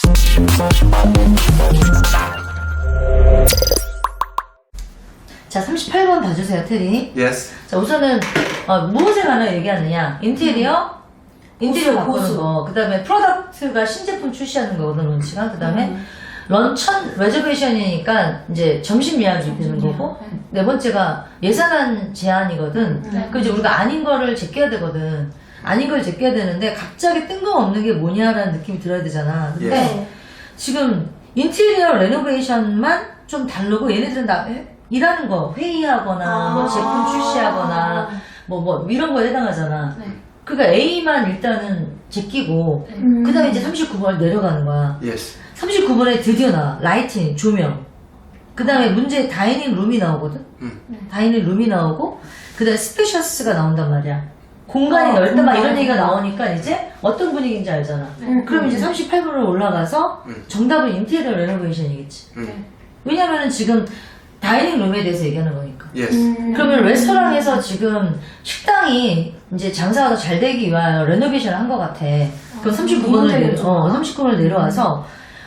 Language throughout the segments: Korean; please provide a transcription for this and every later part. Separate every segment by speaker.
Speaker 1: 자, 38번 봐주세요, 테리.
Speaker 2: Yes.
Speaker 1: 자, 우선은 무엇에 관해 얘기하느냐? 인테리어 바꾸는 거. 그 다음에 프로덕트가 신제품 출시하는 거거든, 론치가. 그 다음에 런천 레저베이션이니까 이제 점심 예약이 되는 거고. 네 번째가 예산안 제한이거든. 그럼 이제 우리가 아닌 거를 제껴야 되거든. 아닌 걸 제껴야 되는데 갑자기 뜬금없는 게 뭐냐라는 느낌이 들어야 되잖아. 근데
Speaker 2: Yes.
Speaker 1: 지금 인테리어 레노베이션만 좀 다르고 얘네들은 다 일하는 거 회의하거나 뭐 제품 출시하거나 뭐 이런 거에 해당하잖아. 그러니까 A만 일단은 제끼고 그 다음에 이제 39번을 내려가는 거야.
Speaker 2: Yes.
Speaker 1: 39번에 드디어 나와. 라이팅, 조명. 그 다음에 문제 다이닝 룸이 나오거든. 다이닝 룸이 나오고 그 다음에 스페셔스가 나온단 말이야. 공간이 넓다 막 이런 얘기가 나오니까 이제 어떤 분위기인지 알잖아. 그럼 이제 38번으로 올라가서 정답은 인테리어 레노베이션이겠지. 왜냐면은 지금 다이닝 룸에 대해서 얘기하는 거니까.
Speaker 2: Yes.
Speaker 1: 그러면 레스토랑에서 지금 식당이 이제 장사가 더 잘 되기 위하여 레노베이션을 한 것 같아. 그럼 39번을 내려와서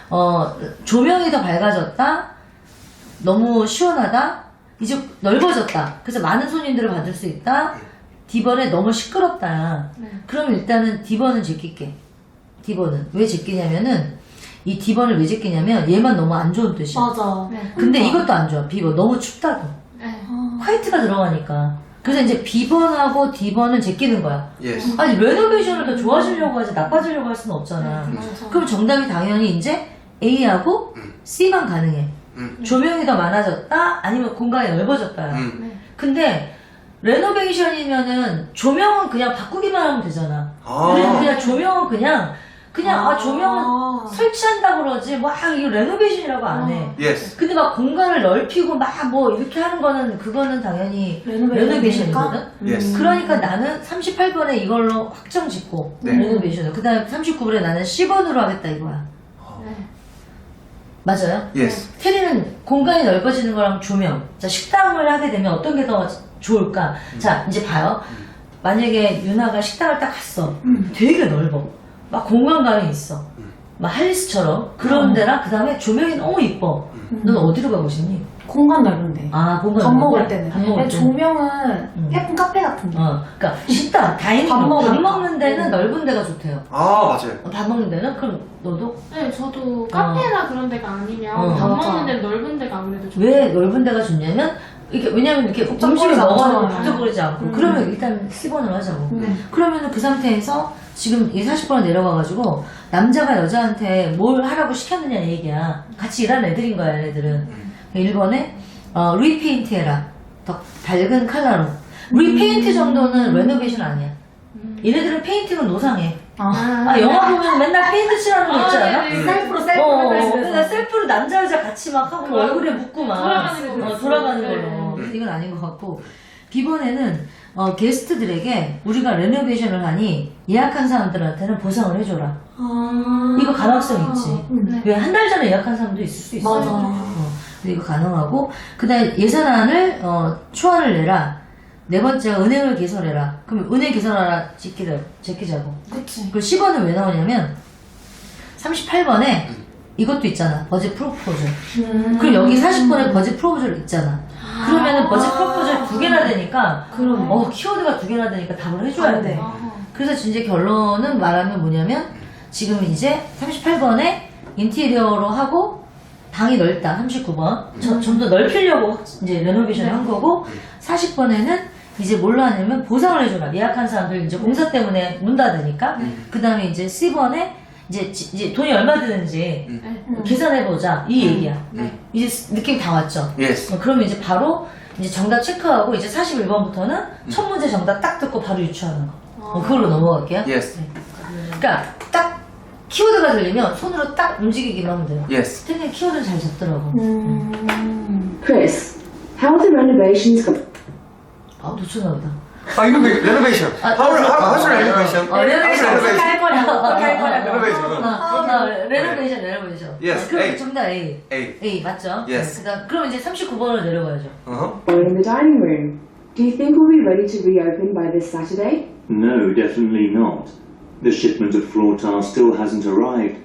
Speaker 1: 조명이 더 밝아졌다. 너무 시원하다. 이제 넓어졌다. 그래서 많은 손님들을 받을 수 있다. D번에 너무 시끄럽다. 그럼 일단은 D번은 제낄게. D번은 왜 제끼냐면은 이 D번을 왜 제끼냐면 얘만 너무 안 좋은 뜻이야.
Speaker 3: 맞아.
Speaker 1: 근데 이것도 안 좋아. B번 너무 춥다고. 화이트가 들어가니까. 그래서 이제 B번하고 D번은 제끼는 거야.
Speaker 2: Yes.
Speaker 1: 아니 레노베이션을 더 좋아지려고 하지 나빠지려고 할 수는 없잖아. 그럼 정답이 당연히 이제 A하고 C만 가능해. 조명이 더 많아졌다 아니면 공간이 넓어졌다. 근데 레노베이션이면은 조명은 그냥 바꾸기만 하면 되잖아. 우리는 그냥 조명은 그냥 조명은 설치한다고 그러지 막 이거 레노베이션이라고 안 해.
Speaker 2: Yes.
Speaker 1: 근데 막 공간을 넓히고 막 뭐 이렇게 하는 거는 그거는 당연히 레노베이션이거든.
Speaker 2: Yes.
Speaker 1: 그러니까 나는 38번에 이걸로 확정 짓고
Speaker 2: 네.
Speaker 1: 레노베이션을. 그 다음에 39번에 나는 10번으로 하겠다 이거야. 맞아요?
Speaker 2: Yes.
Speaker 1: 테리는 공간이 넓어지는 거랑 조명. 자, 식당을 하게 되면 어떤 게 더 좋을까? 자, 이제 봐요. 만약에 유나가 식당을 딱 갔어. 되게 넓어. 막 공간감이 있어. 막 할리스처럼. 그런 데랑 그 다음에 조명이 너무 이뻐. 넌 어디로 가고 싶니?
Speaker 3: 공간 넓은데.
Speaker 1: 아, 공간
Speaker 3: 밥
Speaker 1: 넓은데?
Speaker 3: 먹을 때는.
Speaker 1: 밥 먹을 때.
Speaker 3: 조명은 예쁜 카페 같은데.
Speaker 1: 그러니까 식당, 다이닝
Speaker 3: 밥 먹으니까.
Speaker 1: 먹는 데는 넓은 데가 좋대요.
Speaker 2: 아, 맞아요.
Speaker 1: 밥 먹는 데는? 그럼 너도?
Speaker 4: 네, 저도 카페나 그런 데가 아니면 밥
Speaker 3: 맞아.
Speaker 4: 먹는 데는 넓은 데가 아무래도 좋아요.
Speaker 1: 왜 넓은 데가 좋냐면 왜냐면 이렇게 음식을
Speaker 3: 복잡거리지
Speaker 1: 먹어도
Speaker 3: 않잖아요.
Speaker 1: 복잡거리지 않고 그러면 일단 10번을 하자고. 그러면은 그 상태에서 지금 이 40번을 내려가가지고 남자가 여자한테 뭘 하라고 시켰느냐 이 얘기야. 같이 일하는 애들인 거야 얘네들은. 1번에 리페인트 해라. 더 밝은 컬러로. 리페인트 정도는 레노베이션 아니야. 얘네들은 페인팅은 노상해. 영화 보면 맨날 페인트 칠하는 거 있지 않아?
Speaker 4: 네.
Speaker 3: 셀프로
Speaker 1: 그러니까 셀프로 남자 여자 같이 막 하고 얼굴에 묻고 막
Speaker 4: 돌아가는 걸로.
Speaker 1: 돌아가는
Speaker 4: 네.
Speaker 1: 걸로. 이건 아닌 것 같고. B번에는 게스트들에게 우리가 레노베이션을 하니 예약한 사람들한테는 보상을 해줘라. 이거 가능성 있지. 왜 한 달 전에 예약한 사람도 있을 수 있어.
Speaker 3: 맞아.
Speaker 1: 근데 이거 가능하고 그다음에 예산안을 초안을 내라. 네 번째가 은행을 개설해라. 그럼 은행 개설하라 제끼자고.
Speaker 3: 그치.
Speaker 1: 그 10번은 왜 나오냐면 38번에 이것도 있잖아. 버짓 프로포즈. 그럼 여기 40번에 버짓 프로포즈를 있잖아. 그러면은 버짓 프로포즈 2개나 되니까 키워드가 2개나 되니까 답을 해줘야 돼. 그래서 이제 결론은 말하면 뭐냐면 지금 이제 38번에 인테리어로 하고 방이 넓다. 39번. 좀 더 넓히려고 이제 레노베이션을 한 거고 40번에는 이제 뭘로 하냐면 보상을 해줘라. 예약한 사람들 이제 공사 때문에 문 닫으니까. 그 다음에 이제 C번에 이제 돈이 얼마 드는지 계산해보자. 이 얘기야. 이제 느낌 다 왔죠?
Speaker 2: Yes.
Speaker 1: 그러면 이제 바로 이제 정답 체크하고 이제 41번부터는 첫 문제 정답 딱 듣고 바로 유추하는 거. 그걸로 넘어갈게요.
Speaker 2: Yes.
Speaker 1: 그러니까 딱 키워드가 들리면 손으로 딱 움직이기만 하면 돼요.
Speaker 2: Yes.
Speaker 1: 태근이 키워드는 잘 잡더라고.
Speaker 5: Chris, how are the renovations going?
Speaker 1: 놓쳤나 보다.
Speaker 2: 이거 renovation. How's renovation?
Speaker 1: renovation.
Speaker 3: 할 거냐.
Speaker 1: 레노베이션.
Speaker 2: Yes,
Speaker 1: 그럼
Speaker 2: A.
Speaker 1: 정답 A.
Speaker 2: A.
Speaker 1: A 맞죠?
Speaker 2: Yes.
Speaker 1: 그럼 이제 39번으로 내려가야죠.
Speaker 5: In the dining room. Do you think we'll be ready to reopen by this Saturday?
Speaker 6: No, definitely not. The shipment of floor tiles still hasn't arrived.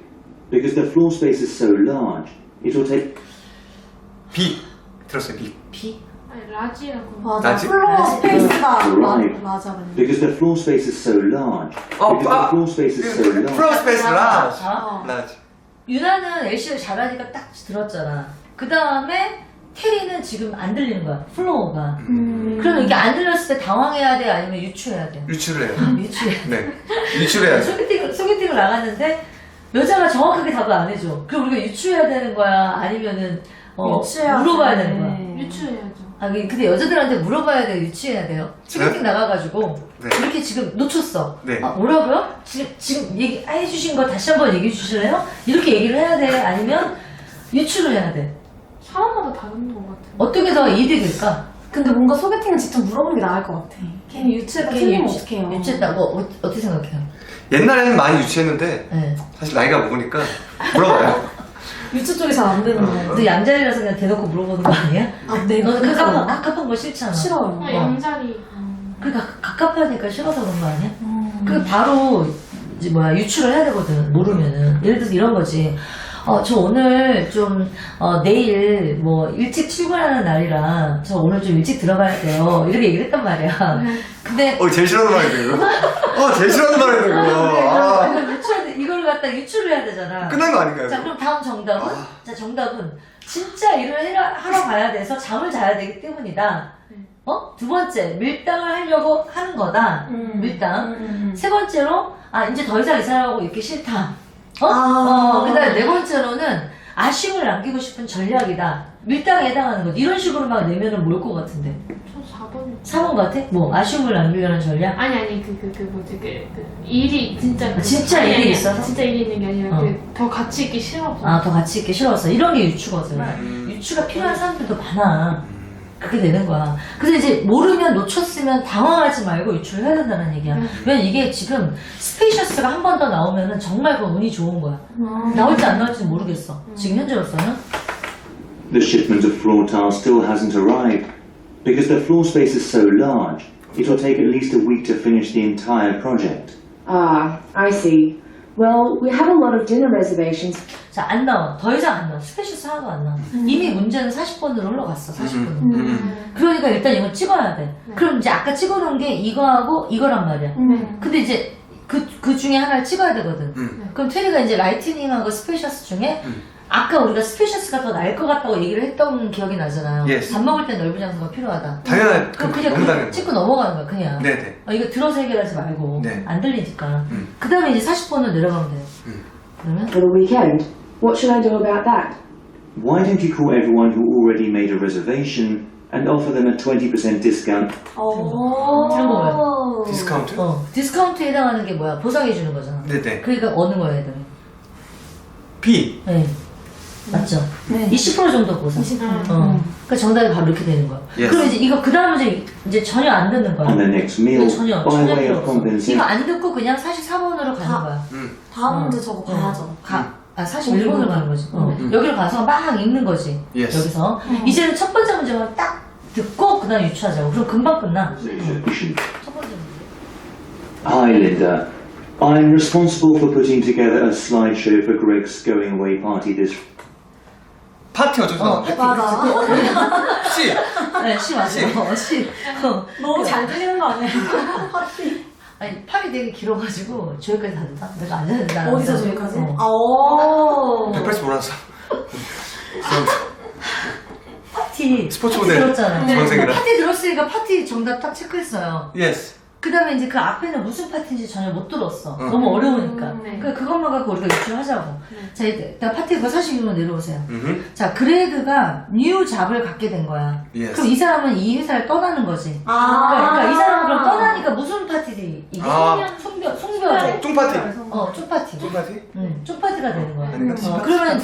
Speaker 6: Because the floor space is so large, it will take
Speaker 2: B. 들었어요, B.
Speaker 1: B?
Speaker 4: 아니, 라지라고.
Speaker 3: 맞아.
Speaker 2: 라지?
Speaker 3: 플로어 스페이스가
Speaker 6: Right.
Speaker 3: 맞아.
Speaker 6: because the floor space is so large. Because the floor space is so large.
Speaker 2: 플로어 스페이스 라지.
Speaker 1: 자,
Speaker 2: 라지.
Speaker 1: 유나는 LC를 잘하니까 딱 들었잖아. 그 다음에 테리는 지금 안 들리는 거야. 플로어가. 그럼 이게 안 들렸을 때 당황해야 돼? 아니면 유추해야 돼?
Speaker 2: 유출을 해요.
Speaker 1: 유추해야 돼.
Speaker 2: 네. 유출해야죠.
Speaker 1: 소개팅을 나갔는데 여자가 정확하게 답을 안 해줘. 그럼 우리가 유추해야 되는 거야? 아니면은
Speaker 3: 유추해야
Speaker 1: 물어봐야
Speaker 3: 돼.
Speaker 1: 되는 거야?
Speaker 4: 유추해야죠.
Speaker 1: 아, 근데 여자들한테 물어봐야 돼요? 유추해야 돼요? 소개팅 나가가지고
Speaker 2: 네.
Speaker 1: 이렇게 지금 놓쳤어.
Speaker 2: 네.
Speaker 1: 아, 뭐라고요? 지금 얘기해주신 거 다시 한번 얘기해 주실래요? 이렇게 얘기를 해야 돼? 아니면 유추를 해야 돼?
Speaker 4: 사람마다 다른 것 같아요.
Speaker 1: 어떤 게 더 이득일까?
Speaker 3: 근데 뭔가 소개팅은 직접 물어보는 게 나을 것 같아. 괜히 유추했다 틀리면 어떡해요.
Speaker 1: 유추했다고 어떻게 생각해요?
Speaker 2: 옛날에는 많이 유치했는데
Speaker 1: 네.
Speaker 2: 사실 나이가 먹으니까 물어봐요.
Speaker 3: 유추 쪽이 잘 안 되는 거야.
Speaker 1: 근데 양자리라서 그냥 대놓고 물어보는 거 아니야?
Speaker 3: 아, 내가
Speaker 1: 너는 갑갑한 거 싫잖아.
Speaker 3: 싫어요.
Speaker 4: 그냥 양자리.
Speaker 1: 그러니까 갑갑하니까 싫어서 그런 거 아니야? 그 바로 이제 유추를 해야 되거든. 모르면은 예를 들어서 이런 거지. 저 오늘 좀 내일 일찍 출근하는 날이라 저 오늘 좀 일찍 들어가야 돼요. 이렇게 얘기를 했단 말이야. 근데
Speaker 2: 제일 싫어하는 말인데 이거. 제일 싫어하는 말인데 이거. 아.
Speaker 1: 이걸 갖다 유추를 해야 되잖아.
Speaker 2: 끝난 거 아닌가요?
Speaker 1: 자, 그럼 다음 정답은? 자, 정답은 진짜 일을 하러 가야 돼서 잠을 자야 되기 때문이다. 두 번째, 밀당을 하려고 하는 거다. 밀당. 세 번째로, 이제 더 이상 이 사람하고 있기 싫다. 그다음에 네 번째로는 아쉬움을 남기고 싶은 전략이다. 밀당에 해당하는 것. 이런 식으로 막 내면은 뭘 것 같은데.
Speaker 4: 저 4번이요.
Speaker 1: 4번 같아? 아쉬움을 남기려는 전략?
Speaker 4: 아니, 일이 진짜.
Speaker 1: 진짜
Speaker 4: 아니,
Speaker 1: 일이
Speaker 4: 아니,
Speaker 1: 있어서?
Speaker 4: 진짜 일이 있는 게 아니라
Speaker 1: 어.
Speaker 4: 더 같이 있기 싫어서.
Speaker 1: 더 같이 있기 싫었어. 이런 게 유추거든. 유추가 필요한 사람들도 많아. 그렇게 되는 거야. 그래서 이제 모르면 놓쳤으면 당황하지 말고 유추를 해야 된다는 얘기야. 왜냐면 이게 지금 스페이셔스가 한 번 더 나오면은 정말 그 운이 좋은 거야. 나올지 안 나올지 모르겠어. 지금 현재로서는.
Speaker 6: The shipment of floor tiles still hasn't arrived. Because the floor space is so large, it will take at least a week to finish the entire project.
Speaker 5: Ah, I see. Well, we have a lot of dinner reservations.
Speaker 1: 자, 안 나와. 더 이상 안 나와. 스페이셔스 하나도 안 나와. 이미 문제는 40번으로 흘러갔어. 40번으로. 그러니까 일단 이걸 찍어야 돼. 그럼 이제 아까 찍어놓은 게 이거하고 이거란 말이야. 근데 이제 그 중에 하나를 찍어야 되거든. 그럼 테리가 이제 라이트닝하고 스페이셔스 중에 아까 우리가 스페이셔스가 더 나을 것 같다고 얘기를 했던 기억이 나잖아요.
Speaker 2: Yes.
Speaker 1: 밥 먹을 땐 넓은 장소가 필요하다.
Speaker 2: 당연한
Speaker 1: 그럼
Speaker 2: 너무
Speaker 1: 그냥
Speaker 2: 당연한
Speaker 1: 찍고 넘어가는 거야, 그냥.
Speaker 2: 네네.
Speaker 1: 이거 들어서 해결하지 말고.
Speaker 2: 네.
Speaker 1: 안 들리니까. 그 다음에 이제 40번으로 내려가면 돼요. 그러면?
Speaker 5: For the weekend. What should I do about that?
Speaker 6: Why don't you call everyone who already made a reservation and offer them a 20% discount?
Speaker 1: 들은 거 뭐야?
Speaker 2: 디스카운트?
Speaker 1: 디스카운트에 해당하는 게 뭐야? 보상해주는 거잖아.
Speaker 2: 네네.
Speaker 1: 그러니까 어느 거야, 애들은?
Speaker 2: B.
Speaker 1: 네. 맞죠?
Speaker 3: 네.
Speaker 1: 20% 정도 보상.
Speaker 3: 20%.
Speaker 1: 그러니까 정답이 바로 이렇게 되는 거야.
Speaker 2: Yes.
Speaker 1: 그럼 이제 그 다음 이제 전혀 안 듣는 거야.
Speaker 6: On the next meal,
Speaker 1: 이거 전혀
Speaker 6: by way
Speaker 1: 필요
Speaker 6: of
Speaker 1: 없어.
Speaker 6: compensation.
Speaker 1: 이거 안 듣고 그냥 44번으로 가는 거야.
Speaker 3: 다음 문제 저거 봐야죠.
Speaker 1: 41번으로 가는 거지. 여기로 가서 막 읽는 거지.
Speaker 2: Yes.
Speaker 1: 여기서. 이제는 첫 번째 문제만 딱 듣고 그 다음 유추하자고. 그럼 금방 끝나. 첫 번째 문제.
Speaker 6: Hi, Linda. I'm responsible for putting together a slideshow for Greg's going away party this.
Speaker 2: 파티 어쩌서 나왔는데?
Speaker 3: 맞아.
Speaker 2: C.
Speaker 1: 네, 시 맞아요. 시.
Speaker 3: 너무 잘 들리는 거 아니야?
Speaker 1: 아니, 팔이 되게 길어가지고 저기까지 다 된다? 내가 앉아야 된다.
Speaker 3: 어디서 저기까지?
Speaker 1: 오.
Speaker 2: 180 몰랐어.
Speaker 1: 파티.
Speaker 2: 스포츠
Speaker 1: 파티
Speaker 2: 모델.
Speaker 1: 들었잖아.
Speaker 2: 중학생이라.
Speaker 1: 파티 들었으니까 파티 정답 딱 체크했어요.
Speaker 2: Yes.
Speaker 1: 그 다음에 이제 그 앞에는 무슨 파티인지 전혀 못 들었어. 너무 어려우니까.
Speaker 4: 네.
Speaker 1: 그러니까 그것만 갖고 우리가 유추를 하자고. 자, 일단 파티 그거 46로 내려오세요.
Speaker 2: 음흠.
Speaker 1: 자, 그레그가 뉴 잡을 갖게 된 거야.
Speaker 2: Yes.
Speaker 1: 그럼 이 사람은 이 회사를 떠나는 거지. 그러니까 이 사람은 그럼 떠나니까 무슨 파티지? 이게 송별.
Speaker 2: 쫑파티.
Speaker 1: 쪽파티.
Speaker 2: 쫑파티?
Speaker 1: 쪽파티가 되는 거야.
Speaker 2: 아닌가?
Speaker 1: 그러면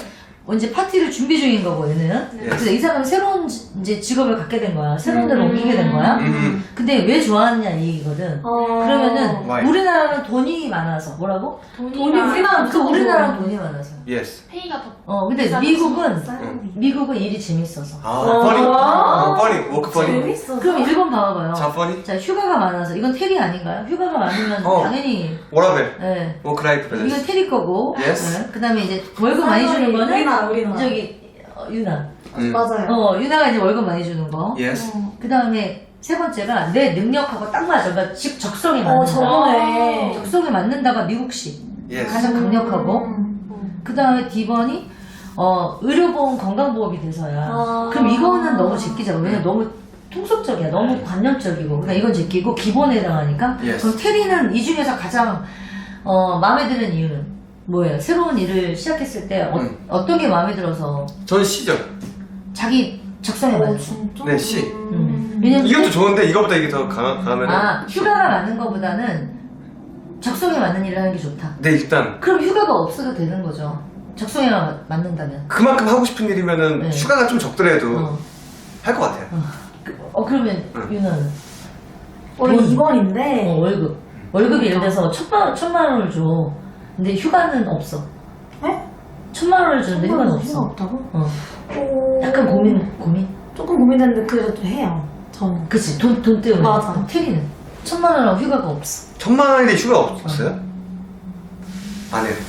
Speaker 1: 이제 파티를 준비 중인 거고 얘는. 그래서 이 사람은 새로운 이제 직업을 갖게 된 거야. 새로운 데로 옮기게 된 거야. 근데 왜 좋아하느냐 이 얘기거든. 그러면은
Speaker 2: Why?
Speaker 1: 우리나라는 돈이 많아서 뭐라고?
Speaker 3: 돈이 우리나라
Speaker 1: 우리나라는 돈이 많아서.
Speaker 2: Yes.
Speaker 4: 페이가 더
Speaker 1: 근데 미국은 일이 재밌어서.
Speaker 2: funny. 워크 funny.
Speaker 3: 재밌어.
Speaker 1: 그럼 일본 봐봐요.
Speaker 2: 자, funny.
Speaker 1: 자, 휴가가 많아서 이건 테리 아닌가요? 휴가가 많으면 당연히
Speaker 2: 워라벨.
Speaker 1: 예.
Speaker 2: 워크 라이프
Speaker 1: 이건
Speaker 2: 밸런스.
Speaker 1: 테리 거고.
Speaker 2: Yes.
Speaker 1: 예. 그다음에 이제 월급 많이 주는 거는
Speaker 3: 우리나라.
Speaker 1: 저기 유나.
Speaker 3: 맞아요.
Speaker 1: 유나가 이제 월급 많이 주는 거.
Speaker 2: Yes.
Speaker 1: 그다음에 세 번째가 내 능력하고 딱 맞아. 그러니까 즉 적성에 맞는다.
Speaker 3: 저번에.
Speaker 1: 적성에 맞는다가 미국식.
Speaker 2: Yes.
Speaker 1: 가장 강력하고. 그다음에 D번이 의료보험 건강보험이 돼서야. 그럼 이거는 너무 제끼자고. 왜냐면 너무 통속적이야. 너무 관념적이고. 그러니까 이건 제끼고 기본에 해당하니까.
Speaker 2: Yes.
Speaker 1: 그럼 테리는 이 중에서 가장 마음에 드는 이유는 뭐예요? 새로운 일을 시작했을 때 어떤 게 마음에 들어서
Speaker 2: 전 C죠.
Speaker 1: 자기 적성에 맞는 거.
Speaker 3: 진짜?
Speaker 2: 네, C.
Speaker 1: 왜냐면
Speaker 2: 이것도 좋은데 이거보다 이게 더 강하면.
Speaker 1: 휴가가 많은 거보다는 적성에 맞는 일을 하는 게 좋다.
Speaker 2: 네, 일단
Speaker 1: 그럼 휴가가 없어도 되는 거죠. 적성에 맞는다면.
Speaker 2: 그만큼 하고 싶은 일이면은
Speaker 1: 네.
Speaker 2: 휴가가 좀 적더라도
Speaker 1: 어.
Speaker 2: 할 것 같아요.
Speaker 1: 그러면 유나는
Speaker 3: 원래
Speaker 1: 돈.
Speaker 3: 2번인데.
Speaker 1: 월급. 월급이 예를 들어서 천만 원을 줘. 근데 휴가는 없어.
Speaker 3: 네?
Speaker 1: 1,000만 원을 주는데 휴가는 없어.
Speaker 3: 없다고?
Speaker 1: 약간 고민.
Speaker 3: 조금 고민됐는데 그래도 좀 해요. 저는.
Speaker 1: 그치. 돈 때문에.
Speaker 3: 맞아.
Speaker 1: 그럼 테리는 1,000만 원하고 휴가가 없어.
Speaker 2: 1,000만 원인데 휴가 없어요? 안 해요.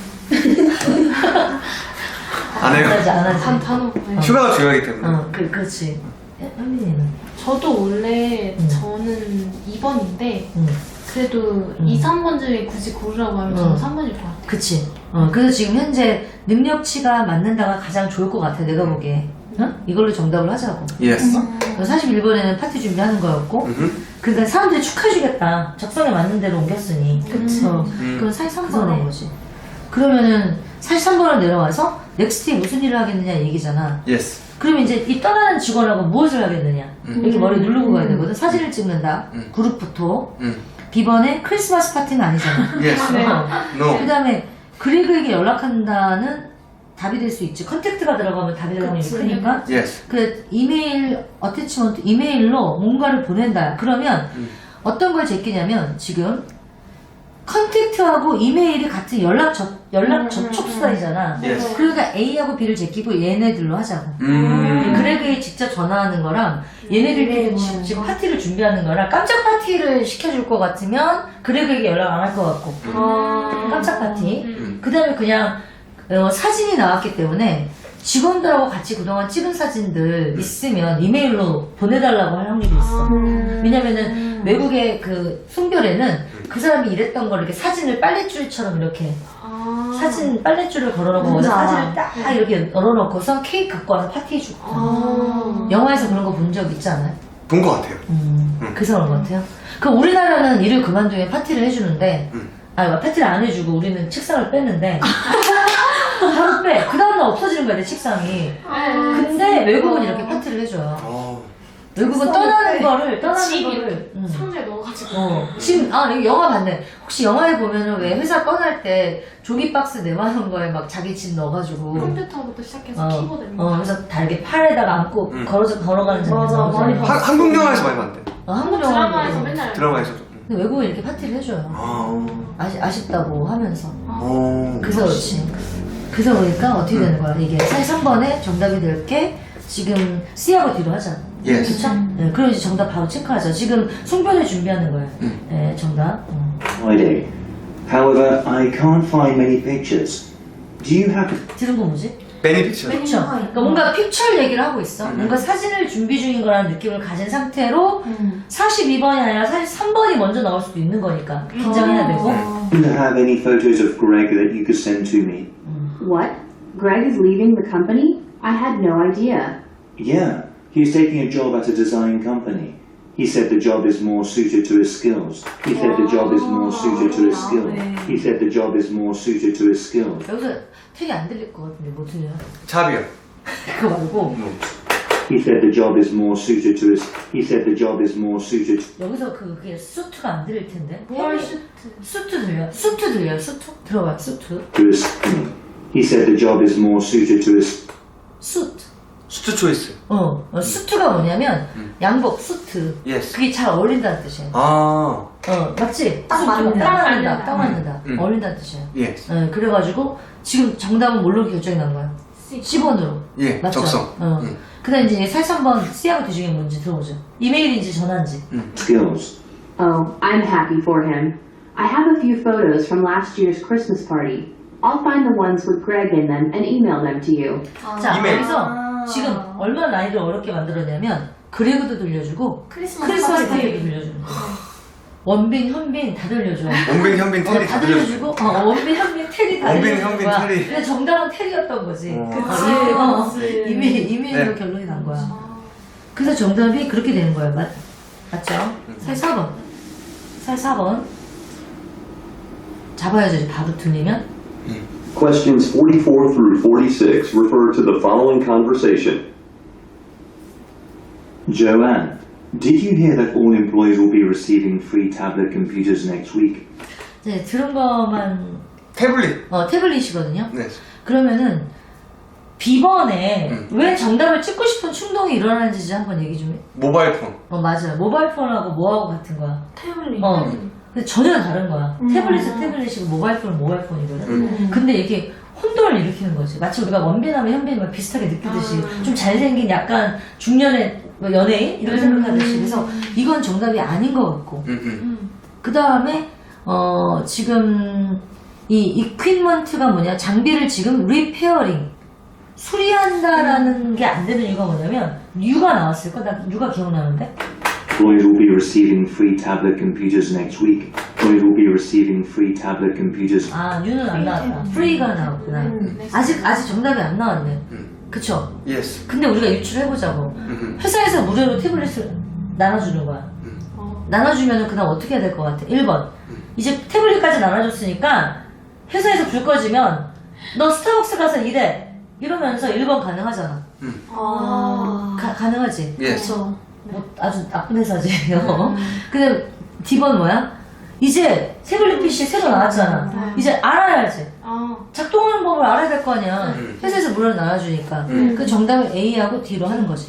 Speaker 2: 안 해요.
Speaker 1: 안 하지.
Speaker 4: 단어 네.
Speaker 2: 휴가가 중요하기 때문에.
Speaker 1: 그렇지. 현민이는.
Speaker 4: 저도 원래
Speaker 1: 음.
Speaker 4: 저는 2번인데
Speaker 1: 응.
Speaker 4: 그래도 2, 3번 중에 굳이 고르라고 하면 저는 3번일 것 같아요.
Speaker 1: 그치. 그래서 지금 현재 능력치가 맞는다가 가장 좋을 것 같아, 내가 보기에. 응? 이걸로 정답을 하자고.
Speaker 2: Yes.
Speaker 1: 41번에는 파티 준비하는 거였고, 그러니까 사람들이 축하해주겠다. 적성에 맞는 대로 옮겼으니.
Speaker 3: 그치.
Speaker 1: 그럼 43번에 거지. 그러면은 43번을 내려와서 넥스트에 무슨 일을 하겠느냐 얘기잖아.
Speaker 2: Yes.
Speaker 1: 그러면 이제 이 떠나는 직원하고 무엇을 하겠느냐. 이렇게 머리 누르고 가야 되거든. 사진을 찍는다. 그룹 포토. B번에 크리스마스 파티는 아니잖아.
Speaker 2: Yes. No.
Speaker 1: 그 다음에 그레그에게 연락한다는 답이 될 수 있지. 컨택트가 들어가면 답이 들어가면
Speaker 3: 그치.
Speaker 1: 크니까.
Speaker 2: Yes.
Speaker 1: 그 이메일 어태치먼트 이메일로 뭔가를 보낸다. 그러면 어떤 걸 제끼냐면 지금 컨택트하고 이메일이 같은 연락 접촉수단이잖아.
Speaker 2: Yes.
Speaker 1: 그러니까 A하고 B를 제끼고 얘네들로 하자고. 그레그에 직접 전화하는 거랑 얘네들끼리 지금 파티를 준비하는 거랑 깜짝 파티를 시켜줄 것 같으면 그레그에게 연락 안 할 것 같고 깜짝 파티. 그 다음에 그냥 사진이 나왔기 때문에 직원들하고 같이 그동안 찍은 사진들 있으면 이메일로 보내달라고 할 확률이 있어. 왜냐면은 외국의 그 송별회는 그 사람이 일했던 걸 이렇게 사진을 빨랫줄처럼 이렇게 사진 빨랫줄을 걸어놓고 거기서 사진을 딱 이렇게 널어놓고서 케이크 갖고 와서 파티해주고. 영화에서 그런 거 본 적 있지 않아요?
Speaker 2: 본 것 같아요.
Speaker 1: 그래서 그런 것 같아요. 그럼 우리나라는 일을 그만두면 파티를 해주는데 파티를 안 해주고 우리는 책상을 뺐는데 바로 빼. 그 다음날 없어지는 거야, 내 책상이. 근데 외국은 이렇게 파티를 해줘요. 외국은 떠나는 거를
Speaker 4: 상자에 넣어가지고
Speaker 1: 지금 여기 영화 봤네. 혹시 영화에 보면은 왜 회사 떠날 때 종이 박스 내만한 거에 막 자기 집 넣어가지고
Speaker 4: 컴퓨터부터 시작해서 키보드
Speaker 1: 그래서 다 이렇게 팔에다가 안고 걸어가는 장면.
Speaker 3: 맞아, 많이 봤어.
Speaker 2: 한국 영화에서 많이 봤는데.
Speaker 1: 한국
Speaker 4: 드라마에서
Speaker 1: 영화
Speaker 4: 맨날
Speaker 2: 드라마에서.
Speaker 1: 근데 외국은 이렇게 파티를 해줘요. 아쉽다고 하면서. 그래서 그렇지. 그래서 그러니까 어떻게 되는 거야? 이게 43번에 정답이 될 게 지금 C하고 D로 하자.
Speaker 2: Yes.
Speaker 1: 그쵸? 네, 그럼 이제 정답 바로 체크하자. 지금 송별회 준비하는 거예요. 네, 정답.
Speaker 6: Friday. However, I can't find many pictures. Do you have
Speaker 1: 들은 거 뭐지?
Speaker 2: 베니픽션.
Speaker 1: 픽처. 그러니까 뭔가 픽처 얘기를 하고 있어. 뭔가 사진을 준비 중인 거라는 느낌을 가진 상태로 42번이 아니라 43번이 먼저 나올 수도 있는 거니까 긴장해야 되고.
Speaker 6: Do you have any photos of Greg that you could send to me?
Speaker 5: What? Greg is leaving the company? I had no idea.
Speaker 6: Yeah, he's taking a job at a design company. He said the job is more suited to his skills. He said the job is more suited to his skills. He said the job is more suited to his skills.
Speaker 1: 여기서 되게 안 들릴 것 같은데 뭐 들려?
Speaker 2: 잡이요.
Speaker 1: 그거 말고
Speaker 6: He said the job is more suited to his. He said the job is more suited.
Speaker 1: 여기서 그게 수트가 안 들릴 텐데.
Speaker 4: 뭘 슈트
Speaker 1: 수트 들려? 수트 들려? 수트? 들어봐 수트.
Speaker 6: To his. He said the job is more suited to his
Speaker 1: 수트.
Speaker 2: 수트 초이스.
Speaker 1: 수트가 뭐냐면 양복, 수트.
Speaker 2: Yes.
Speaker 1: 그게 잘 어울린다는 뜻이에요.
Speaker 2: 아,
Speaker 1: 맞지?
Speaker 3: 딱 맞는다.
Speaker 1: 딱 맞는다. 딱 맞는다. 어울린다는 뜻이에요.
Speaker 2: yes.
Speaker 1: 그래가지고 지금 정답은 뭘로 결정이 난 거야? C번으로.
Speaker 2: 예,
Speaker 1: 맞죠?
Speaker 2: 적성.
Speaker 1: 그 다음 이제 43번 C하고 D 중에 뭔지 들어보죠. 이메일인지 전화인지.
Speaker 6: skills.
Speaker 5: Oh, I'm happy for him. I have a few photos from last year's Christmas party. I'll find the ones with Greg in them and email them to you.
Speaker 1: 자,
Speaker 2: 이메일.
Speaker 1: 여기서 지금 얼마나 나이를 어렵게 만들었냐면 그레그도 들려주고
Speaker 3: 크리스마스
Speaker 1: 파티도 들려주는 거야. 원빈, 현빈 다 들려줘.
Speaker 2: 원빈, 현빈, 테리
Speaker 1: 다
Speaker 2: 다 들려주고.
Speaker 1: 들려주고 원빈, 현빈, 테리 다
Speaker 2: 원빈,
Speaker 1: 들려주는
Speaker 2: 현빈,
Speaker 1: 거야.
Speaker 2: 테리.
Speaker 1: 근데 정답은 테리였던 거지.
Speaker 3: 그치.
Speaker 1: 이메일로
Speaker 2: 네.
Speaker 1: 결론이 난 거야. 그래서 정답이 그렇게 되는 거예요. 맞죠? 44번. 44번. 잡아야죠. 이제 바로 들리면.
Speaker 7: Questions 44 through 46 refer to the following conversation.
Speaker 6: Joanne, did you hear that all employees will be receiving free tablet computers next week?
Speaker 1: 이제 들은 것만
Speaker 2: 태블릿.
Speaker 1: 태블릿이거든요.
Speaker 2: 네.
Speaker 1: 그러면은 B번에 왜 정답을 찍고 싶은 충동이 일어나는지 한번 얘기 좀 해.
Speaker 2: 모바일 폰.
Speaker 1: 맞아요. 모바일 폰하고 뭐하고 같은 거야.
Speaker 3: 태블릿.
Speaker 1: 근데 전혀 다른 거야. 태블릿은 태블릿이고 모바일 폰은 모바일 폰이거든. 근데 이게 혼돈을 일으키는 거지. 마치 우리가 원빈하면 현빈이 비슷하게 느끼듯이 좀 잘생긴 약간 중년의 뭐 연예인 이런 생각하듯이. 그래서 이건 정답이 아닌 것 같고. 그 다음에 지금 이 이퀴먼트가 뭐냐, 장비를 지금 리페어링 수리한다라는 게 안 되는 이유가 뭐냐면 뉴가 나왔을까? 나 뉴가 기억나는데.
Speaker 6: Employees will be receiving free tablet computers next week. Employees will be receiving free tablet computers.
Speaker 1: 뉴는 안 나왔다. 프리가 나왔구나. 아직 정답이 안 나왔네. 그쵸?
Speaker 2: Yes.
Speaker 1: 근데 우리가 유출해보자고. 회사에서 무료로 태블릿을 나눠주는 거야. 나눠주면 그 다음 어떻게 해야 될 것 같아? 1번. 이제 태블릿까지 나눠줬으니까 회사에서 불 꺼지면 너 스타벅스 가서 일해. 이러면서 1번 가능하잖아. 가능하지?
Speaker 2: Yes.
Speaker 3: 그렇죠.
Speaker 1: 뭐 아주 나쁜 회사지. 근데 D번 뭐야? 이제 태블릿 PC 새로 나왔잖아. 이제 알아야지. 작동하는 법을 알아야 될 거 아니야. 회사에서 무료로 나눠주니까. 그 정답을 A하고 D로 하는 거지.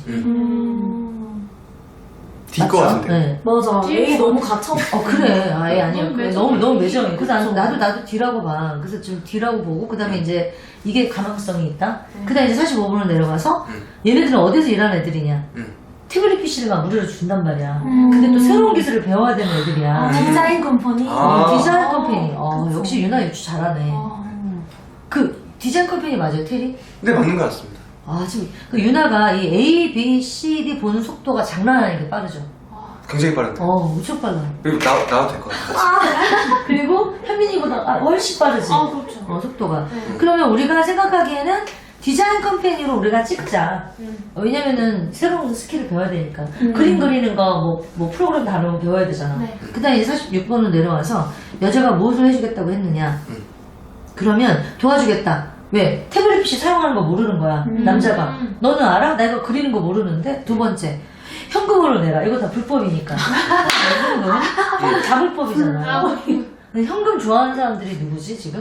Speaker 2: D 거 같은데.
Speaker 1: 네.
Speaker 3: 맞아. A 너무 갇혀있어.
Speaker 1: 그래. 아예 아니야.
Speaker 4: 너무
Speaker 1: 그래,
Speaker 4: 매정해.
Speaker 1: 너무 매정해. 그래서 나도 D라고 봐. 그래서 지금 D라고 보고, 그 다음에 이제 이게 가능성이 있다. 그 다음에 이제 45분으로 내려가서 얘네들은 어디서 일하는 애들이냐. 태블릿 PC를 막 무료로 준단 말이야. 근데 또 새로운 기술을 배워야 되는 애들이야.
Speaker 3: 디자인 컴퍼니.
Speaker 1: 디자인 컴퍼니. 역시 유나 유추 잘하네. 그 디자인 컴퍼니 맞아요, 테리?
Speaker 2: 네, 맞는 것 같습니다.
Speaker 1: 지금 그 유나가 이 A, B, C, D 보는 속도가 장난 아니게 빠르죠.
Speaker 2: 굉장히 빠른데.
Speaker 1: 엄청 빨라.
Speaker 2: 그리고 나와도 될 것 같아요.
Speaker 1: 그리고 현민이보다 훨씬 빠르지.
Speaker 4: 그렇죠.
Speaker 1: 속도가. 그러면 우리가 생각하기에는 디자인 컴퍼니로 우리가 찍자. 왜냐면은 새로운 스킬을 배워야 되니까. 그림 그리는 거, 뭐 프로그램 다루는 거 배워야 되잖아.
Speaker 4: 네.
Speaker 1: 그 다음에 이제 46번으로 내려와서 여자가 무엇을 해주겠다고 했느냐. 그러면 도와주겠다. 왜? 태블릿 PC 사용하는 거 모르는 거야. 남자가. 너는 알아? 나 이거 그리는 거 모르는데? 두 번째. 현금으로 내라. 이거 다 불법이니까. 현금? 다 불법이잖아. 근데 현금 좋아하는 사람들이 누구지, 지금?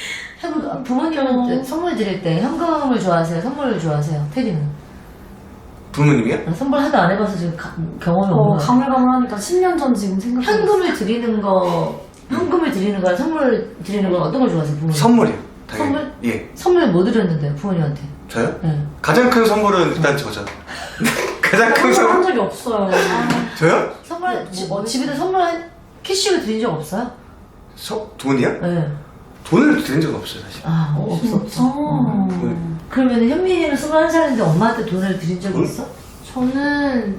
Speaker 1: 부모님은 선물 드릴 때 현금을 좋아하세요? 선물을 좋아하세요? 테리는?
Speaker 2: 부모님이요?
Speaker 1: 선물 하도 안 해봐서 지금 경험이 없는 거야.
Speaker 3: 가물가물하니까 10년 전 지금 생각해.
Speaker 1: 현금을 드리는 거랑 선물 드리는 건 어떤 걸 좋아하세요, 부모님?
Speaker 2: 선물이요. 당연히.
Speaker 1: 선물?
Speaker 2: 예.
Speaker 1: 선물 뭐 드렸는데요, 부모님한테?
Speaker 2: 저요?
Speaker 1: 네.
Speaker 2: 가장 큰 선물은 일단 저죠. 가장 큰
Speaker 3: 한
Speaker 2: 선물.
Speaker 3: 적이 없어요.
Speaker 2: 저요?
Speaker 1: 선물, 집에다 선물 캐시로 드린 적 없어요?
Speaker 2: 돈이요?
Speaker 1: 네.
Speaker 2: 돈을 드린 적은 없어요, 사실.
Speaker 1: 없어. 그러면 현민이는 21살인데 엄마한테 돈을 드린 적이 있어?
Speaker 4: 저는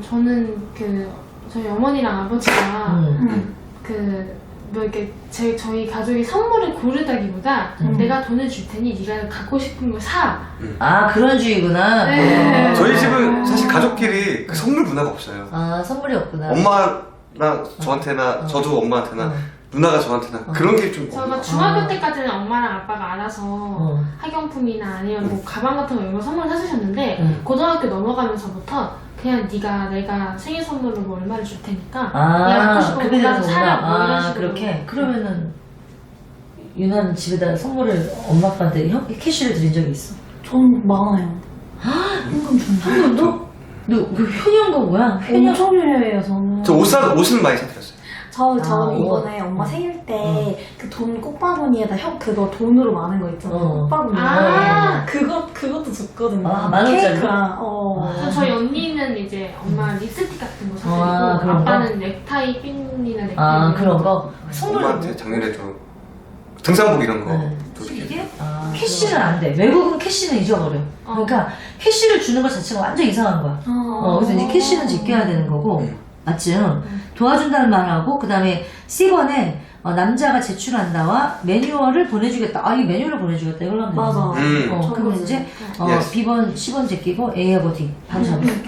Speaker 4: 저희 어머니랑 아버지가 뭐 이렇게 저희 가족이 선물을 고르다기보다 내가 돈을 줄 테니 네가 갖고 싶은 걸 사.
Speaker 1: 그런 주의구나.
Speaker 4: 네.
Speaker 2: 저희 집은 사실 가족끼리 그 선물 문화가 없어요.
Speaker 1: 선물이 없구나.
Speaker 2: 엄마랑 저한테나 저도 엄마한테나 누나가 저한테나 그런 게 좀.
Speaker 4: 저가 중학교 때까지는 엄마랑 아빠가 알아서 학용품이나 아니면 뭐 가방 같은 거 이런 거 선물 사주셨는데 고등학교 넘어가면서부터 그냥 내가 생일 선물로 뭐 얼마를 줄 테니까 네가 갖고 싶은 거 골라서 사라 뭐 이런 식으로.
Speaker 1: 그렇게? 그러면은 유나는 집에다 선물을 엄마 아빠한테 캐시를 드린 적이 있어?
Speaker 3: 전 많아요. 현금 준다.
Speaker 1: 현금도? 너 현현금 뭐야? 현현?
Speaker 3: 엄청 유려해요, 저는.
Speaker 2: 저 옷은 많이 사드렸어요.
Speaker 3: 저는
Speaker 1: 옷.
Speaker 3: 이번에 엄마 생일 때 그 돈 꽃바구니에다 그거 돈으로 많은 거 있잖아요. 꽃바구니.
Speaker 4: 아.
Speaker 3: 그것도 줬거든요.
Speaker 1: 아, 10,000원짜리?
Speaker 3: 케이크랑,
Speaker 4: 그래서 저희 언니는 이제 엄마 립스틱 같은 거 사드리고
Speaker 1: 아, 그런 거?
Speaker 4: 아빠는 넥타이 핀이나 넥타이
Speaker 1: 아,
Speaker 4: 이런
Speaker 1: 그런 거? 선물로.
Speaker 2: 엄마한테 작년에 저 등산복 이런 거.
Speaker 1: 네.
Speaker 2: 이게?
Speaker 1: 캐시는 안 돼. 외국은 캐시는 잊어버려. 그러니까 캐시를 주는 것 자체가 완전 이상한 거야. 그래서 이제 캐시는 지켜야 되는 거고, 맞지? 도와준다는 말하고, 그 다음에 C번에 남자가 제출한다와 매뉴얼을 보내주겠다. 이 매뉴얼을 보내주겠다. 이걸로 하면
Speaker 3: 맞아.
Speaker 1: 되잖아. 그러면 이제
Speaker 2: Yes.
Speaker 1: B번, C번 제끼고 A하고 D 바로 잡을게.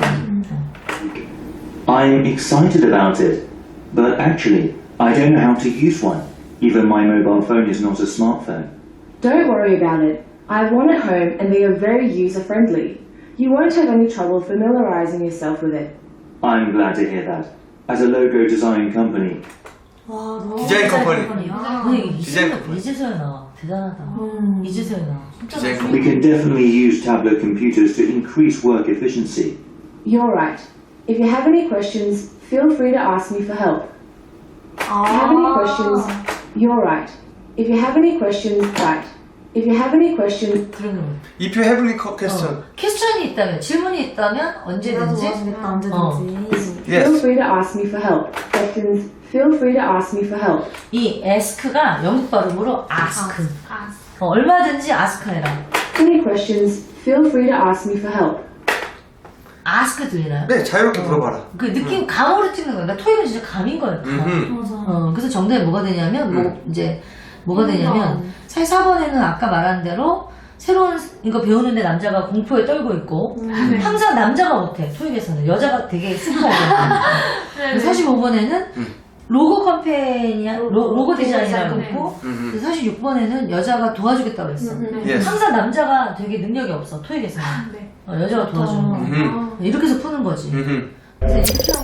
Speaker 6: I'm excited about it, but actually, I don't know how to use one. Even my mobile phone is not a smartphone.
Speaker 5: Don't worry about it. I want it home and they are very user-friendly. You won't have any trouble familiarizing yourself with it.
Speaker 6: I'm glad to hear that. As a logo design company,
Speaker 3: 와, 너무
Speaker 2: 디자인 컴퍼니.
Speaker 1: 근데
Speaker 2: 디자인
Speaker 1: 이제서야 나와. 대단하다. 이제서야 나와.
Speaker 2: 디자인
Speaker 6: we can definitely use tablet computers to increase work efficiency.
Speaker 5: You're right. If you have any questions, feel free to ask me for help. If you have any questions, you're right. If you have any questions, right. If you have any questions,
Speaker 1: 그런 거.
Speaker 2: If you have any question.
Speaker 1: 퀘스천이 있다면, 질문이 있다면
Speaker 3: 나도
Speaker 1: 언제든지
Speaker 3: 도와주겠다, 언제든지.
Speaker 5: feel
Speaker 2: Yes.
Speaker 5: free to ask me for help. Questions, feel free to ask me for help.
Speaker 1: 이 ask가 영국 발음으로 ask.
Speaker 4: 아,
Speaker 1: 얼마든지 ask 해라.
Speaker 5: Any questions, feel free to ask me for help.
Speaker 1: ask 들리나요?
Speaker 2: 네, 자유롭게 물어봐라.
Speaker 1: 그 느낌 감으로 찍는 거야. 그러니까 토익은 진짜 감인 거야. 감.
Speaker 2: 음흠.
Speaker 1: 그래서 정답이 뭐가 되냐면 뭐가 되냐면 사실 4번에는 아까 말한 대로 새로운 이거 배우는데 남자가 공포에 떨고 있고 항상 남자가 못해. 토익에서는 여자가 되게 스포하거든요. 45번에는 로고 컴퍼니야 로고 디자인이라고
Speaker 4: 네.
Speaker 1: 했고 46번에는 여자가 도와주겠다고 했어.
Speaker 2: Yes.
Speaker 1: 항상 남자가 되게 능력이 없어 토익에서는.
Speaker 4: 네.
Speaker 1: 여자가 도와주는 거.
Speaker 2: 음흠.
Speaker 1: 이렇게 해서 푸는 거지.
Speaker 2: 음흠.
Speaker 1: 그래서 이렇게 하면